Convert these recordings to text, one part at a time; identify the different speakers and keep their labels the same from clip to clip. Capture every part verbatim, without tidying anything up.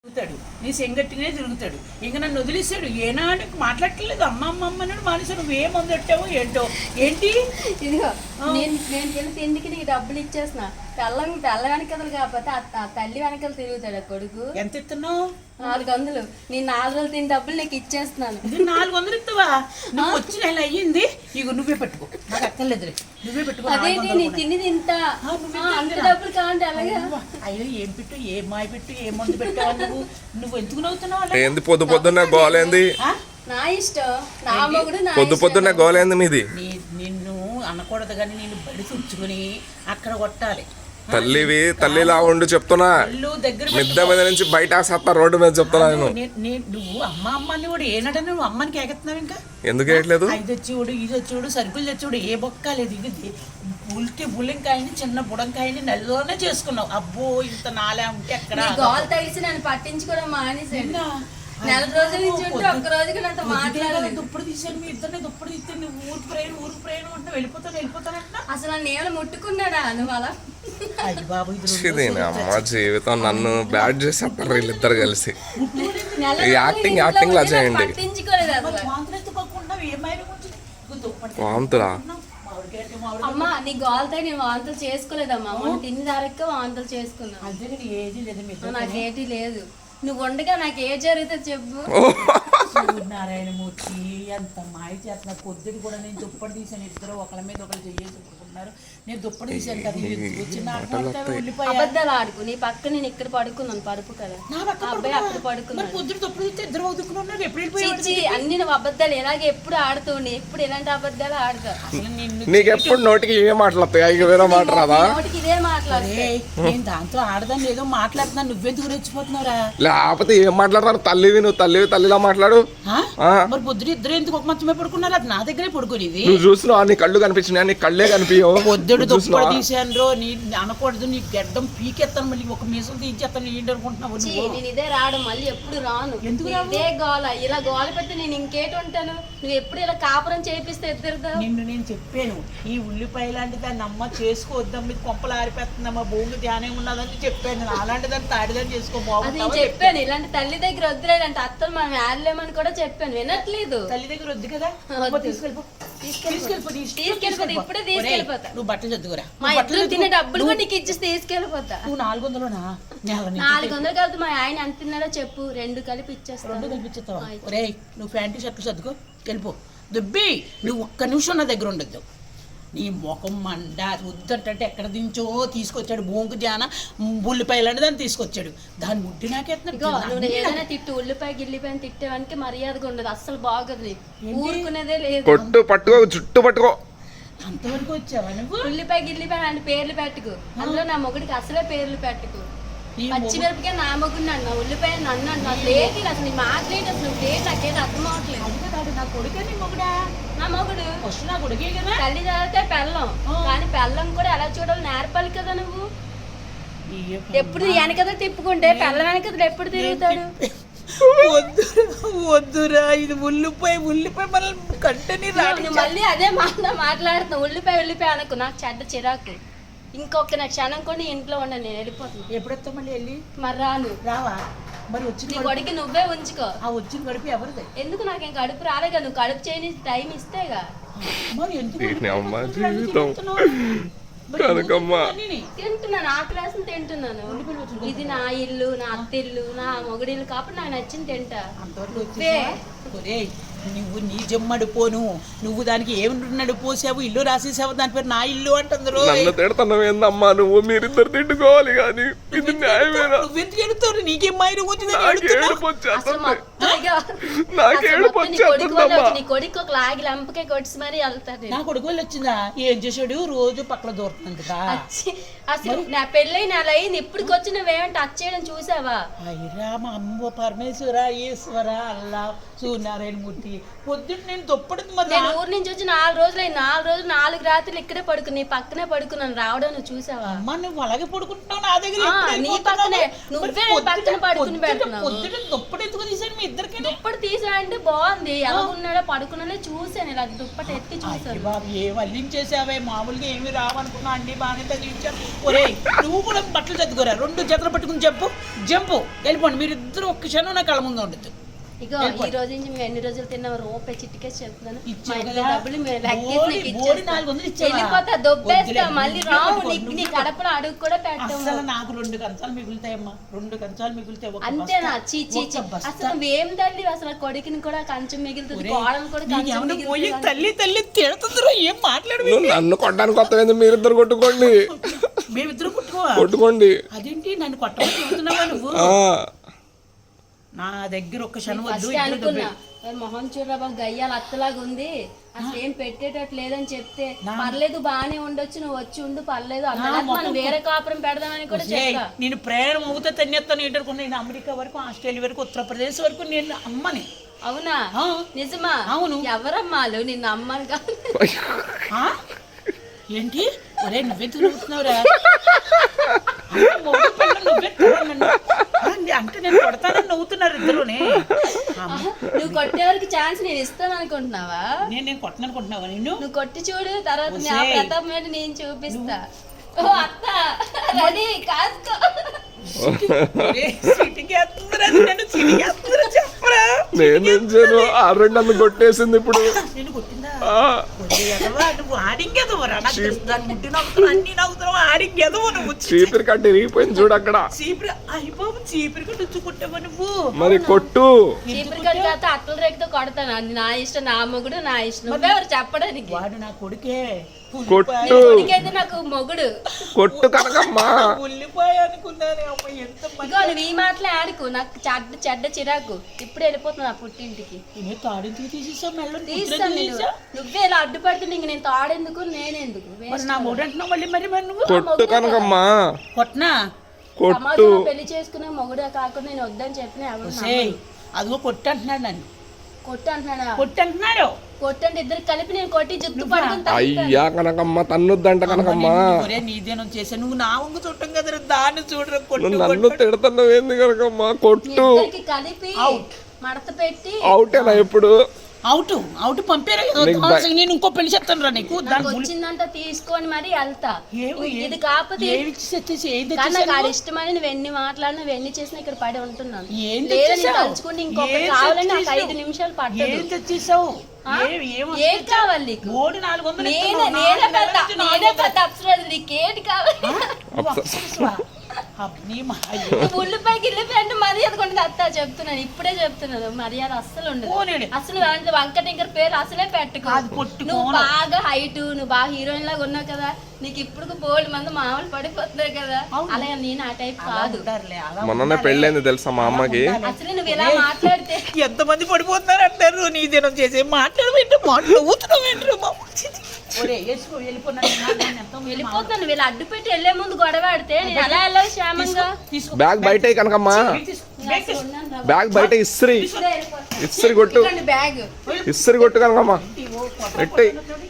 Speaker 1: తిరుగుతాడు, నీ సెంగట్టినే తిరుగుతాడు. ఇంక నన్ను వదిలేశాడు. ఏనాడు మాట్లాడట్లేదు. అమ్మ అమ్మ అమ్మన్నాడు. మానేసి నువ్వేం అందట్టావు ఏంటో ఏంటి
Speaker 2: ఇదిగో నేను నేను తెలిసి ఎందుకు నీకు డబ్బులు ఇచ్చేస్తున్నా. తెల్లం తెల్ల వెనకలు కాకపోతే ఆ తల్లి వెనకలు తిరుగుతాడు ఆ కొడుకు.
Speaker 1: ఎంత ఇస్తున్నావు?
Speaker 2: నాలుగు వందలు. నేను నాలుగు రోజులు తిని డబ్బులు నీకు ఇచ్చేస్తున్నాను.
Speaker 1: ఇది నాలుగు వందలు ఇస్తావా? నువ్వు వచ్చి నెల అయ్యింది. ఇక నువ్వే పెట్టుకో, నాకు అక్కర్లేదులే, నువ్వే పెట్టుకో.
Speaker 2: అదేంటి నీ తిని తింటా అంత డబ్బులు కావంటే అలాగే.
Speaker 1: అయ్యో ఏం పెట్టు, ఏ మాయ పెట్టు, ఏ మందు పెట్టావు నువ్వు? నువ్వు ఎందుకు నవ్వుతున్నావు?
Speaker 3: ఏంది పొద్దు పొద్దున్న గోలేంది?
Speaker 2: నా ఇష్టం, నా మొగుడు నా
Speaker 3: పొద్దు పొద్దున్న గోలేంది మీది?
Speaker 1: నిన్ను అనకూడదు కానీ నేను బడి తుంచుకుని అక్కడ కొట్టాలి.
Speaker 3: తల్లివి తల్లిలా ఉండు చెప్తున్నా. మిద్ద మీద నుంచి బయట సత్తా రోడ్డు మీద చెప్తున్నా నేను.
Speaker 1: నువ్వు అమ్మ అమ్మని కూడా ఏనాడ నువ్వు అమ్మని కేకెత్తున్నావు. ఇంకా
Speaker 3: ఎందుకు వేయట్లేదు?
Speaker 1: ఇది తెచ్చివాడు, ఇది తెచ్చివాడు, సరుకులు తెచ్చివాడు, ఏ బొక్క లేదు. ఇది ఉల్టి బుల్లింకాయని చిన్న బుడంకాయని నెలలోనే చేసుకున్నావు. అబ్బో ఇంత నాలే ఉంటే ఎక్కడ
Speaker 2: గోల్ తగిసి నన్ను పట్టించుకోవడం మానేసాడు. నెల రోజుల నుంచి ఉంటే ఒక్క రోజుకి నాతో మాట్లాడలేదు.
Speaker 1: దుప్పుడు తీసాను, మీ ఇద్దరిని దుప్పుడు తీస్తే నువ్వు ఊరు ప్రయాణం ఊరు ప్రయాణం అంటే వెళ్ళిపోతాను వెళ్ళిపోతానంట.
Speaker 2: అసలు నన్ను ఏమైనా ముట్టుకున్నాడా నువ్వు అలా?
Speaker 1: బాబు
Speaker 3: అమ్మ జీవితం నన్ను బ్యాడ్ చేసేస్తారు వీళ్ళిద్దరు కలిసి. యాక్టింగ్ యాక్టింగ్ లా చేయండి. వాంతులా?
Speaker 2: అమ్మా నీ గోల్తో నేను వాంతులు చేసుకోలేదమ్మా. మొన్న తిని దారక్క వాంతులు చేసుకున్నా. నాకేటి లేదు. నువ్వు ఉండగా నాకు ఏ జరిగితే చెప్పు.
Speaker 1: నారాయణమూర్తి ఎంత మాయ చేస్తున్నా. పొద్దుడు కూడా నేను దుప్పటి తీసాను. ఇద్దరు ఒకళ్ళ మీద ఒకళ్ళు చెయ్యేసి చెప్పుకున్నారు. నేను దుప్పటి తీసాను కదా.
Speaker 2: అబద్ధాలు ఆడుకు. నీ పక్క నేను ఇక్కడ పడుకున్నాను, పరుపు కదా అబ్బాయి అక్కడ పడుకున్నాను.
Speaker 1: పొద్దుడు దుప్పటి తీస్తే ఇద్దరు వదుకున్నారు. ఎప్పుడు
Speaker 2: అన్ని నువ్వు అబద్ధాలు ఎలాగే ఎప్పుడు ఆడుతూ ఎప్పుడు ఎలాంటి అబద్ధాలు ఆడతా.
Speaker 3: నీకు ఎప్పుడు నోటికి ఇవే మాట్లాడతాయి, వేరే మాట రాదా?
Speaker 2: నోటికి ఇదే మాట్లాడే.
Speaker 1: నేను దాంతో ఆడదాన్ని ఏదో మాట్లాడుతున్నా. నువ్వెందుకు రెచ్చిపోతున్నావురా?
Speaker 3: లేకపోతే ఏం మాట్లాడతారు? తల్లివి నువ్వు, తల్లివి తల్లిలా మాట్లాడు.
Speaker 1: మరి పొద్దున ఇద్దరు ఎందుకు ఒక మంచమే పడుకున్నారు? అది నా దగ్గరే పడుకునేది.
Speaker 3: నువ్వు చూస్తున్నావు, నీ కళ్ళు కనిపించినాయి, నీ కళ్ళే కనిపించవు.
Speaker 1: పొద్దుడు దుప్పటి తీసాను. నీ అనకూడదు, నీ గడ్డం పీకెత్తాను, మళ్ళీ ఒక మీసం తీసేస్తాను. ఏంటి అనుకుంటున్నావు?
Speaker 2: నేను ఇదే రాడు, మళ్ళీ ఎప్పుడు రాను.
Speaker 1: ఎందుకు
Speaker 2: ఇదే గోల, ఇలా గోల పెట్టి నేను ఇంకేటి ఉంటాను. నువ్వు ఎప్పుడు ఇలా కాపురం చేపిస్తే ఇద్దరుదా.
Speaker 1: నిన్ను నేను చెప్పాను, ఈ ఉల్లిపాయ లాంటి దాన్ని అమ్మ చేసుకోవద్దాం, మీకు కొంపలు ఆరిపోతుందమ్మా, భూమి ధ్యానం ఉన్నదని చెప్పాను. అలాంటి దాన్ని తాడిదాన్ని చేసుకోబోతుంది
Speaker 2: చెప్పాను. ఇలాంటి తల్లి దగ్గర వద్దులే, ఇలాంటి అత్తలు మనం ఆడలేమని కూడా చెప్పాను, వినట్లేదు.
Speaker 1: తల్లి దగ్గర వద్దు కదా. తీసుకెళ్ళిపో తీసుకెళ్ళిపోతా. ఇప్పుడే తీసుకెళ్ళిపోతా. నువ్వు బట్టలు చదువురా. మా ఇద్దరు తినే డబ్బులు కూడా నీకు ఇచ్చేసి తీసుకెళ్ళిపోతా. నువ్వు నాలుగు వందలునా?
Speaker 2: నాలుగు వందలు కలిపి మా ఆయన ఎంత తిన్నాడో చెప్పు, రెండు కలిపి ఇచ్చేస్తా.
Speaker 1: రెండు కలిపి ఇచ్చేస్తావా? ఒరే నువ్వు ప్యాంటు షర్ట్లు చదువుకో, వెళ్ళిపో. దుబ్బి నువ్వు ఒక్క నిమిషం నా దగ్గర ఉండొద్దు. నీ ముఖం మండ వద్దంటే ఎక్కడ దించో తీసుకొచ్చాడు. బొంగు జాన ఉల్లిపాయలు దాన్ని తీసుకొచ్చాడు. దాని ముడ్డి నాకెత్తున్నాడు.
Speaker 2: ఏదైనా తిట్టు, ఉల్లిపాయ గిల్లిపాయ తిట్టేవానికి మర్యాదగా ఉండదు. అస్సలు బాగోదు, ఊరుకునేదే లేదు.
Speaker 3: పట్టు పట్టుకో, చుట్టూ పట్టుకో.
Speaker 1: అంతవరకు వచ్చావా నువ్వు?
Speaker 2: ఉల్లిపాయ గిల్లిపాయ అంటే పేర్లు పెట్టుకు. అందులో నా మొగుడికి అసలే పేర్లు పెట్టుకు. పచ్చిమిరపకాయ నా మొగుడు అన్నా, ఉల్లిపాయ నన్ను అన్నా. లేదు అసలు నీ మాట్లాడేది అసలు నువ్వు లేదు, నాకేది అర్థం అవట్లేదు.
Speaker 1: నా కొడుకే నీ మొగుడా?
Speaker 2: నా మొగుడు
Speaker 1: ఫస్ట్ నా కొడుకే కదా.
Speaker 2: తల్లి చదివితే పెళ్ళం, కానీ పెళ్ళం కూడా ఎలా చూడాలి నేర్పాలి కదా. నువ్వు ఎప్పుడు వెనకదా తిప్పుకుంటే పెళ్ళం వెనకదా ఎప్పుడు తిరుగుతాడు?
Speaker 1: వద్దురా వద్దురా, ఇది ఉల్లిపాయ ఉల్లిపాయ మనల్ని కంటని రాడు.
Speaker 2: మళ్ళీ అదే మాట మాట్లాడుతున్నావు. ఉల్లిపాయ ఉల్లిపాయ అనుకో, నాకు చెడ్డ చిరాకు. ఇంకొక నా క్షణం కూడా ఇంట్లో ఉండను, నేను వెళ్ళిపోతాను.
Speaker 1: ఎప్పుడొస్తా మళ్ళీ వెళ్ళి?
Speaker 2: మరి రాను.
Speaker 1: రావా? మరి వచ్చి
Speaker 2: నీ కొడుకు నువ్వే ఉంచుకో.
Speaker 1: ఆ వచ్చిన కడుపు ఎవరిది?
Speaker 2: ఎందుకు నాకు ఏం కడుపు రాలేగా, నువ్వు కడుపు చేయని టైం ఇస్తేగా.
Speaker 1: మరి ఎందుకు
Speaker 2: తింటున్నాను, ఆ క్లాస్ తింటున్నాను. ఇది నా ఇల్లు, నా అత్త ఇల్లు, నా మొగుడిల్లు కాబట్టి నాకు నచ్చింది తింటా.
Speaker 1: నువ్వు నీ జమ్మడి పోను, నువ్వు దానికి ఏమి పోసావు, ఇల్లు రాసేసావు, దాని పేరు నా ఇల్లు అంటుందరు.
Speaker 3: తిడుతున్నావు ఏందమ్మా నువ్వు? మీరిద్దరు తిట్టుకోవాలి కానీ ఇది న్యాయమేనా?
Speaker 1: నువ్వెందుకు ఎడుతావు? నీకేం మైరు వచ్చింది?
Speaker 2: నీ కొడుకు ఒక లాగి లంపకే కొట్టి మరి వెళ్తాడు.
Speaker 1: నా కొడుకు వాళ్ళు వచ్చిందా? ఏం చేసాడు? రోజు పక్కన దూరుతున్నాను కదా.
Speaker 2: అసలు నా పెళ్ళై నెల అయింది, ఇప్పటికి వచ్చి నువ్వేమంటే టచ్ చేయడం చూసావా?
Speaker 1: అయ్యరా మా అమ్మ పరమేశ్వర ఈశ్వర అల్లా సూర్యనారాయణమూర్తి. పొద్దున్న నేను తొప్పడుతుంది. మరి
Speaker 2: నేను ఊరు నుంచి వచ్చి నాలుగు రోజులు అయింది. నాలుగు రోజులు నాలుగు రాత్రులు ఇక్కడే పడుకుని పక్కనే పడుకున్నాను. రావడం నువ్వు చూసావా?
Speaker 1: అమ్మ నువ్వు అలాగే పడుకుంటున్నావు నా దగ్గర.
Speaker 2: నీ పక్కనే నువ్వే పక్కన పడుకుని పెడుతున్నావు.
Speaker 1: పొద్దున్న తొప్పడు ఎందుకు తీసాడు? మీ ఇద్దరు అందరికీ
Speaker 2: దుప్పటి తీసా అంటే బాగుంది, ఎలా ఉన్నాడో పడుకున్నాడో చూసాను, ఇలా దుప్పటి ఎత్తి చూసాను.
Speaker 1: బాబు ఏ వల్లించేసావే, మామూలుగా ఏమి రావనుకున్నా అండి బాగానే తగిలించావు. ఒరే నువ్వు కూడా బట్టలు చదువుకోరా, రెండు చేతులు పట్టుకుని చెప్పు జంపు వెళ్ళిపోండి, మీరు ఇద్దరు ఒక్క క్షణం నా కళ్ళ ముందు ఉండదు.
Speaker 2: ఇగో ఈ రోజు నుంచి మేము ఎన్ని రోజులు తిన్నాం రూపాయి చిట్టికేసి చెప్తున్నాను, మా
Speaker 1: ఇచ్చావు
Speaker 2: ఇంట్లో
Speaker 1: కదా?
Speaker 2: డబ్బులు మేము
Speaker 1: బోడి-
Speaker 2: లెక్కేసి
Speaker 1: బోడి నాలుగు వందలు ఇచ్చావా?
Speaker 2: వెళ్ళిపోతా, దొబ్బేస్తా,
Speaker 1: వద్దులే,
Speaker 2: మళ్ళీ
Speaker 1: నువ్వే
Speaker 2: రావు
Speaker 1: పట్టుకో,
Speaker 2: నీకు, నీ
Speaker 1: నువ్వే
Speaker 2: కడపలో అడుగు కూడా పెట్టాము.
Speaker 1: అసలు నాకు రెండు కంచాలు మిగులుతాయమ్మా, రెండు కంచాలు మిగులుతాయి. ఒక
Speaker 2: అంతేనా?
Speaker 1: బస్తా-
Speaker 2: చీ చీ చీ.
Speaker 1: ఒక బస్తా.
Speaker 2: అసలు నువ్వేం తల్లి, అసలు కొడుకుని కూడా కంచం మిగులుతుంది, కోడలు కూడా కంచం
Speaker 1: నీకేమన్నా పోయి
Speaker 2: మిగులుతుంది.
Speaker 1: తల్లి తల్లి తిడుతుందిరో, ఏం మాట్లాడు.
Speaker 3: నువ్వు నన్ను కొట్టడానికి కొత్తగా మీరిద్దరు కొట్టుకోండి
Speaker 1: మేమిద్దరు కొట్టుకోవా?
Speaker 3: కొట్టుకోండి.
Speaker 1: అదేంటి నన్ను కొట్టమని చెబుతున్నావా నువ్వు?
Speaker 3: ఆ,
Speaker 1: నా దగ్గర ఒక్క క్షణం వద్దు.
Speaker 2: ఫస్ట్ అనుకున్నా మరి మొహం చూడరా బాబు గయ్యాలు అత్తలాగా ఉంది, అసలు ఏం పెట్టేటట్టు లేదని చెప్తే పర్లేదు బాగానే ఉండొచ్చు, నువ్వు వచ్చి ఉండు పర్లేదు అన్న, మనం వేరే కాపురం పెడదామని కూడా చెప్పా.
Speaker 1: నేను ప్రయాణం అవుతా తన్నేస్తాను ఏంటనుకున్నా. నేను అమెరికా వరకు, ఆస్ట్రేలియా వరకు, ఉత్తరప్రదేశ్ వరకు నేను అమ్మని.
Speaker 2: అవునా?
Speaker 1: ఆ.
Speaker 2: నిజమా?
Speaker 1: అవును.
Speaker 2: ఎవరమ్మాలు నిన్ను అమ్మని కాదు.
Speaker 1: ఆ? ఏంటి ఒరే నువ్వే తిరుగుతున్నావురా, నువ్వే నన్ను అంటే నేను కొడతానని నవ్వుతున్నారు ఇద్దరునే.
Speaker 2: నువ్వు కొట్టే వరకు ఛాన్స్ నేను ఇస్తాను అనుకుంటున్నావా?
Speaker 1: నేను నేను కొట్టననుకుంటున్నావా? నిన్ను
Speaker 2: నువ్వు కొట్టి చూడు, తర్వాత నా ప్రతాపం ఏంటి నేను చూపిస్తా. ఓ అత్త రెడీ కాసుకో.
Speaker 3: నేనేం చేయను, ఆ రెండు నన్ను కొట్టేసింది ఇప్పుడు.
Speaker 1: నేను కొట్టిందా? నువ్వు ఆడింగేదవరా, దాన్ని ముట్టి నవ్వుతావు, అన్ని నవ్వుతావు, ఆడింగేదవ నువ్వు.
Speaker 3: చీపిరి కట్టి ఇరిగిపోయింది చూడు అక్కడ.
Speaker 1: చీపిరి అయిపోవు, చీపిరి కట్టి వచ్చి కొట్టావా నువ్వు?
Speaker 3: మరి కొట్టు.
Speaker 2: చీపురు కట్టి కాదు అట్టల రేఖతో కొడతాను, అది నా ఇష్టం, నా మొగుడు నా ఇష్టం, నువ్వెవరు చెప్పడానికి?
Speaker 1: వాడు నా కొడుకే.
Speaker 3: కొట్టు.
Speaker 2: కొడుకైతే నాకు మొగుడు.
Speaker 3: కొట్టు కనకమ్మా.
Speaker 1: ఉల్లిపాయ అనుకున్నాను అమ్మ, ఎంత
Speaker 2: ఇగో నువ్వు ఈ మాటలే ఆడుకు, నాకు చెడ్డ చెడ్డ చిరాకు. ఇప్పుడు వెళ్ళిపోతున్నా నా పుట్టింటికి.
Speaker 1: నేను తాడింటికి తీసేసావు, మెల్ల
Speaker 2: తీస్తాను నేను. నువ్వే ఇలా అడ్డుపడుతుంది, ఇంక నేను తాడెందుకు నేనెందుకు?
Speaker 1: మరి నా మూడు అంటున్నావు మళ్ళీ. మరి మరి నువ్వు
Speaker 3: కొట్టు కనకమ్మా.
Speaker 1: కొట్టనా?
Speaker 3: కొట్టు.
Speaker 2: సమాజంలో పెళ్లి చేసుకునే మొగుడే కాకుండా నేను వద్దని చెప్పిన ఎవరు
Speaker 1: సేయ్ అదిగో కొట్టు అంటున్నాడు నన్ను.
Speaker 2: కొట్టు అంటున్నాడా?
Speaker 1: కొట్టు అంటున్నాడు.
Speaker 2: కొట్టండి ఇద్దరు కలిపి నేను కొట్టి జుట్టు పడుకుని
Speaker 3: అయ్యా కనకమ్మ తన్నుద్దంట కనకమ్మా.
Speaker 1: ఒరే నీదేనం చేసా, నువ్వు నా వంగు చుట్టం కదా, దాన్ని చూడరా. కొట్టు
Speaker 3: నువ్వు నన్ను తిడుతున్నావు ఏంది కనకమ్మా? కొట్టు.
Speaker 2: ఇద్దరికి కలిపి మడత పెట్టి.
Speaker 3: అవుటేనా ఇప్పుడు?
Speaker 1: అవుట్ అవుట్ పంపారా? నేను ఇంకో పెళ్లి చెప్తాను రా నీకు.
Speaker 2: నాకు వచ్చిందంట తీసుకొని మరి వెళ్తా.
Speaker 1: ఏమి
Speaker 2: ఇది కాకపోతే
Speaker 1: ఏమి ఇచ్చేసి ఏం
Speaker 2: కానీ
Speaker 1: తెచ్చేసావు?
Speaker 2: నాకు అది ఇష్టమని నువ్వు ఎన్ని మాట్లాడినా నువ్వు ఎన్ని చేసినా ఇక్కడ పడి ఉంటున్నాను.
Speaker 1: ఏం
Speaker 2: లేదని
Speaker 1: తెచ్చేసావు?
Speaker 2: తలుచుకుంటే ఇంకొక
Speaker 1: ఏం
Speaker 2: కావాలని నాకు
Speaker 1: తెచ్చేసావు?
Speaker 2: ఐదు నిమిషాలు
Speaker 1: ఏం
Speaker 2: పట్టదు.
Speaker 1: తెచ్చేసావు?
Speaker 2: ఆ?
Speaker 1: ఏం- ఏం
Speaker 2: ఏం కావాలి నీకు?
Speaker 1: మూడు నాలుగు వందలు
Speaker 2: నేనే
Speaker 1: ఇస్తున్నావు.
Speaker 2: నేనే
Speaker 1: నాలుగు
Speaker 2: పెద్ద
Speaker 1: నెలల నుంచి నాలుగు
Speaker 2: నేనే
Speaker 1: వందలు.
Speaker 2: పెద్ద అప్సరాలు, నీకేంటి కావాలి?
Speaker 1: నువ్వు అప్సరసవా? అబ్బా, మా అయ్యో.
Speaker 2: నువ్వు ఉల్లిపాయకి ఇల్లిపాయ అంటే మర్యాద కొండదు అత్త, చెప్తున్నాను ఇప్పుడే చెప్తున్నాను, మర్యాద అస్సలు ఉండదు.
Speaker 1: పోనీలే.
Speaker 2: అసలు అంటే వంకటింకర్ పేరు అసలే పెట్టుకో.
Speaker 1: అది పొట్టుకోను.
Speaker 2: నువ్వు బాగా హైట్, నువ్వు బాగా హీరోయిన్ లాగా ఉన్నావు కదా, నీకు ఇప్పుడు బోల్డ్ మంది మామూలు పడిపోతున్నారు కదా, అలాగే నేను ఆ టైప్
Speaker 1: అలా
Speaker 2: కాదు.
Speaker 1: ఉంటారులే, అలా
Speaker 3: మొన్ననే
Speaker 1: ఉంటారులే.
Speaker 3: పెళ్ళైంది తెలుసా మా అమ్మకి.
Speaker 2: అసలు నువ్వు ఇలా మాట్లాడితే
Speaker 1: ఎంతమంది పడిపోతున్నారు అంటారు. నీ దినం చేసే మాట్లాడవేంటి, మాటలు ఊతున్నావేంటి? ఒరే వేసుకో, వెళ్ళిపోయినా
Speaker 2: వెళ్ళిపోతున్నాను. నువ్వు ఇలా అడ్డు పెట్టి వెళ్లే ముందు గొడవ ఆడితే నేను ఎలా వెళ్ళావు క్షేమంగా?
Speaker 1: తీసుకో.
Speaker 3: బ్యాగ్ బయట కనకమ్మా.
Speaker 1: బ్యాగ్
Speaker 2: ఉన్నాను రా.
Speaker 3: బ్యాగ్ బయట ఇస్త్రీ
Speaker 2: ఇప్పుడే వెళ్ళిపోతున్నా.
Speaker 3: ఇస్త్రీ కొట్టు.
Speaker 2: ఇదిగోండి బ్యాగ్.
Speaker 3: ఇస్త్రీ కొట్టు కనకమ్మా. ఎట్టి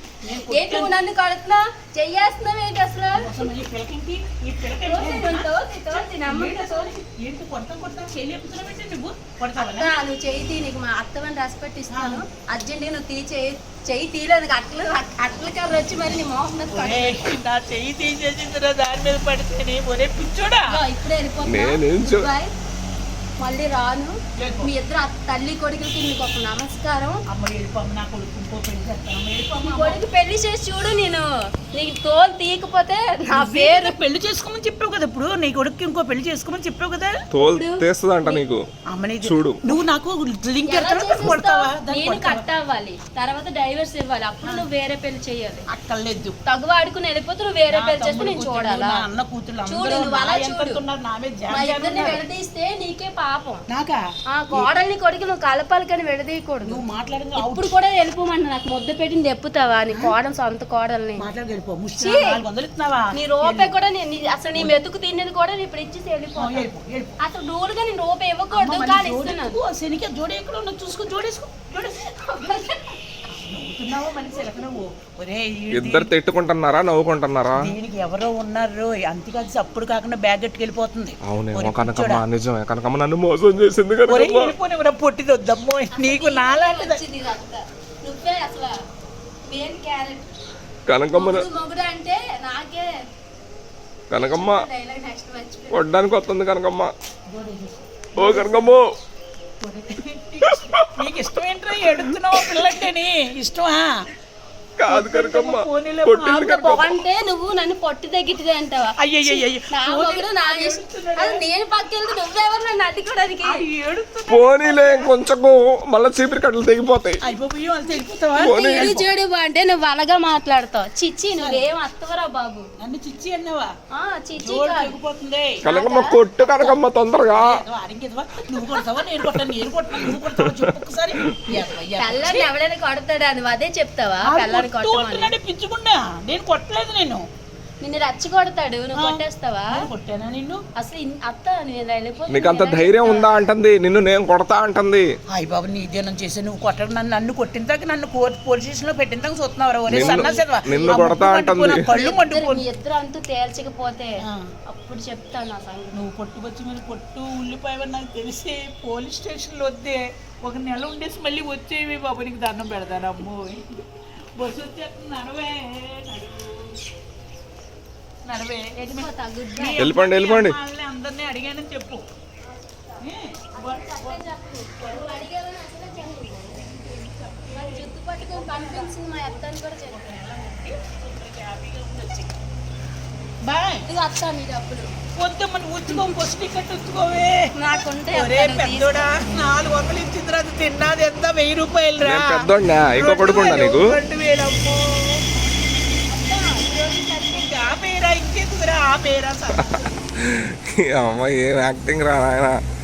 Speaker 2: ఏంటి నువ్వు నన్ను కడుతున్నా చెయ్యేస్తున్నావు ఏంటి అసలు?
Speaker 1: ఈ పిల్లకింటి ఈ పిల్లకి
Speaker 2: తోసి, నన్ను తోసి, తోసి, నమ్ముతా తోసి.
Speaker 1: ఏంటి కొడతాం కొడతాం చేయలేపుతున్నావేంటి నువ్వు? కొడతావా?
Speaker 2: అత్త, నువ్వు చెయ్యి తీ, నీకు మా అత్తమని రెస్పెక్ట్ ఇస్తాను. అర్జెంట్ నువ్వు తీ చెయ్యి చెయ్యి తీలేదు, అట్ల అట్ల కర్ర వచ్చి మరి నీ మోసం మీద పడు.
Speaker 1: ఒరే, నా చెయ్యి తీసేసిందిరా దాని మీద పడితేనే. ఒరే పిచ్చోడా,
Speaker 2: ఇదిగో, ఇప్పుడే వెళ్ళిపోతున్నా.
Speaker 3: నేనేం చూ-
Speaker 2: Goodbye. మళ్ళీ రాను. మీ ఇద్దరు అత్త- తల్లి కొడుకులకి నీకు ఒక నమస్కారం.
Speaker 1: అమ్మ వెళ్ళిపోమ్మ, నా కొడుకు ఇంకో పెళ్లి చేస్తాను.
Speaker 2: నీ
Speaker 1: వెళ్ళిపోమ్మ.
Speaker 2: కొడుకు పెళ్లి చేసి చూడు, నేను నీకు తోలు తీయకపోతే నా పేరు.
Speaker 1: పేరు పెళ్లి చేసుకోమని చెప్పావు కదా ఇప్పుడు. నీ కొడుకు ఇంకో పెళ్లి చేసుకోమని చెప్పావు కదా.
Speaker 3: తోలు తీస్తుందంట నీకు.
Speaker 1: అమ్మని
Speaker 3: చూడు.
Speaker 1: నువ్వు నాకు లింక్
Speaker 2: ఎలా చేసిస్తావు?
Speaker 1: కొడతావా? దాన్ని
Speaker 2: నేను
Speaker 1: కొడతావా?
Speaker 2: కట్ అవ్వాలి, తర్వాత డైవర్స్ ఇవ్వాలి, అప్పుడు నువ్వు వేరే పెళ్లి చేయాలి.
Speaker 1: అక్కర్లేదు.
Speaker 2: తగు ఆడుకుని వెళ్ళిపోతే నువ్వు వేరే
Speaker 1: నా
Speaker 2: పెళ్లి చేస్తే
Speaker 1: తమ్ముడు
Speaker 2: నేను
Speaker 1: కూతుళ్ళు,
Speaker 2: చూడాలా?
Speaker 1: నా అన్న కూతుళ్ళు
Speaker 2: చూడు,
Speaker 1: అందరూ
Speaker 2: నువ్వు
Speaker 1: నా
Speaker 2: అలా
Speaker 1: ఎంత
Speaker 2: చూడు.
Speaker 1: ఉన్నారు, నా మీద జాలి
Speaker 2: మా
Speaker 1: జాలి
Speaker 2: ఇద్దరిని
Speaker 1: ఉన్నారు.
Speaker 2: విడదీస్తే నీకే పాపం.
Speaker 1: నాకా?
Speaker 2: ఆ కోడల్ని కొడుకు నువ్వు కలపాలి కానీ విడదీయకూడదు.
Speaker 1: నువ్వు మాట్లాడింది అవుట్.
Speaker 2: ఇప్పుడు కూడా వెళ్ళిపోమన్నా, నాకు ముద్ద పెట్టింది ఎప్పుతావా నీ కోడలు, సొంత కోడల్ని?
Speaker 1: మాట్లాడి వెళ్ళిపో. ముష్టి
Speaker 2: ఛీ!
Speaker 1: నాలుగు వందలు ఇస్తున్నావా?
Speaker 2: నీ రూపాయి కూడా నేను నీ- అసలు నీ మెతుకు తినేది కూడా నేను ఇప్పుడు ఇచ్చేసి
Speaker 1: ఆ,
Speaker 2: వెళ్ళిపో.
Speaker 1: వెళ్ళిపో, వెళ్ళిపో.
Speaker 2: అసలు రూల్గా నేను రూపాయి ఇవ్వకూడదు
Speaker 1: అమ్మ,
Speaker 2: కానీ
Speaker 1: మళ్ళీ
Speaker 2: ఇస్తున్నాను.
Speaker 1: జోడెత్తుకో, శనికే జోడి ఎక్కడ ఉన్నది చూసుకో, జోడేసుకో, జోడేసుకో. నవ్వుతున్నావా మనిషి ఎలక నువ్వు ఒరే
Speaker 3: ఇద్దరు తిట్టుకుంటున్నారా నవ్వుకుంటున్నారా?
Speaker 1: దీనికి ఎవరో ఉన్నారు అంతేకాదు అప్పుడు కాకుండా బ్యాగ్ ఎట్టుకెళ్ళిపోతుంది.
Speaker 3: అవునేమో కనకమ్మ, నిజమే కనకమ్మ నన్ను మోసం చేసింది కదా.
Speaker 1: వెళ్ళిపోయిన పొట్టిది వద్దమ్మో నీకు నాలాంటిది.
Speaker 2: వచ్చింది ఇదంతా. నువ్వే అసలు మెయిన్ క్యారెట్.
Speaker 3: కనకమ్మ
Speaker 2: మొగుడు మొగుడు అంటే నాకే
Speaker 3: కనకమ్మ
Speaker 2: డైలాగ్ నెక్స్ట్ మర్చిపోయి
Speaker 3: కొట్టడానికి వస్తుంది కనకమ్మ. ఓ కనకమ్మ
Speaker 1: నీకు ఇష్టం ఏంట్రా ఎడుతున్నావు పిల్లంటేని ఇష్టమా?
Speaker 3: కాదు కనకమ్మ,
Speaker 1: పోనీలే,
Speaker 3: కొట్టింది కనకమ్మ.
Speaker 2: అంటే నువ్వు నన్ను పొట్టి తగ్గిట్టిదే అంటావా?
Speaker 1: అయ్యయ్యయ్య
Speaker 2: నా మొగుడు నా ఇష్టం. అది నేను పక్కెళ్తే నువ్వెవరు నన్ను అడ్డుకోవడానికి?
Speaker 3: పోనీలే కొంచెం మళ్ళీ చీపిరి కట్టలు తెగిపోతాయి.
Speaker 1: అయిపోయి వాళ్ళు తెలిపోతావా?
Speaker 2: ఇది చూడు అంటే నువ్వు అలాగా మాట్లాడతావు. చిచ్చి నువ్వేం అత్తవరా బాబు.
Speaker 1: నన్ను చిచ్చి అన్నావా?
Speaker 2: ఆ చిచ్చి
Speaker 1: జోడు
Speaker 2: కాదు.
Speaker 1: తెగిపోతుంది.
Speaker 3: కనకమ్మ కొట్టు కనకమ్మ తొందరగా.
Speaker 1: అడిగేదివా నువ్వు కొడతావా నేను కొట్టాను నేను కొట్టాను నువ్వు కొడతావా చెప్పు ఒకసారి.
Speaker 2: పిల్లని ఎవడైనా కొడతాడా? నువ్వు అదే చెప్తావా? పిల్లని కొట్టమని.
Speaker 1: పిచ్చుకున్నా నేను కొట్టలేదు. నేను
Speaker 2: నిన్ను రచ్చి కొడతాడు నువ్వు కొట్టేస్తావా?
Speaker 1: కొట్టానా నిన్ను?
Speaker 2: అసలు ఇన్- అత్త నేను వెళ్ళిపోతే
Speaker 3: నీకు అంత ధైర్యం ఉందా అంటుంది, నిన్ను నేను కొడతా అంటుంది.
Speaker 1: అయ్య బాబు నీ దేనం చేసి నువ్వు కొట్టడం నన్ను నన్ను కొట్టిన దాకా నన్ను కోర్టు పోలీస్ స్టేషన్ లో పెట్టిన దాకా చూస్తున్నావు.
Speaker 3: నిన్ను- నిన్ను కొడతా అంటుంది.
Speaker 1: కళ్ళు
Speaker 2: మీ
Speaker 1: మంటుకుని
Speaker 2: ఇద్దరు అంతూ తేల్చకపోతే
Speaker 1: ఆ.
Speaker 2: అప్పుడు చెప్తాను నా సంగతి.
Speaker 1: నువ్వు కొట్టుకొచ్చి మీరు కొట్టు ఉల్లిపాయవని నాకు తెలిసి పోలీస్ స్టేషన్లో వద్దే ఒక నెల ఉండేసి మళ్ళీ వచ్చేవి బాబు నీకు దండం పెడతాను. అమ్మో బస్సు వచ్చేస్తుంది నడవే నడవే
Speaker 2: వెళ్ళిపోతా, good bye.
Speaker 1: మీ
Speaker 3: వెళ్ళిపోండి, వెళ్ళిపోండి.
Speaker 1: వాళ్ళని అందరినీ అడిగానని చెప్పు. ఏ?
Speaker 2: అట్లే చెప్పు. నువ్వు అడిగావని అసలే చెప్పు. మరి జుట్టు పట్టుకొని కనిపించింది మా అత్త అని కూడా చెప్పు.
Speaker 1: బాయ్
Speaker 2: ఇదిగో అత్త నీ డబ్బులు
Speaker 1: వద్దమ్మ నువ్వు ఉంచుకో బస్సు టికెట్ ఉంచుకోవే.
Speaker 2: నాకుంటే
Speaker 1: ఒరే
Speaker 2: అత్త నువ్వు
Speaker 1: పెద్దోడా నాలుగు వందలు ఇచ్చిన తర్వాత తిన్నది ఎంత వెయ్యి రూపాయలు రా.
Speaker 3: నేను పెద్దోడినా? ఇంకో కొడుకుండా నీకు?
Speaker 1: రెండు వేలమ్మో ఆ పేరా ఇంకెందుకురా ఆ పేరా సార్.
Speaker 3: అమ్మ ఏం యాక్టింగ్ రా నాయన.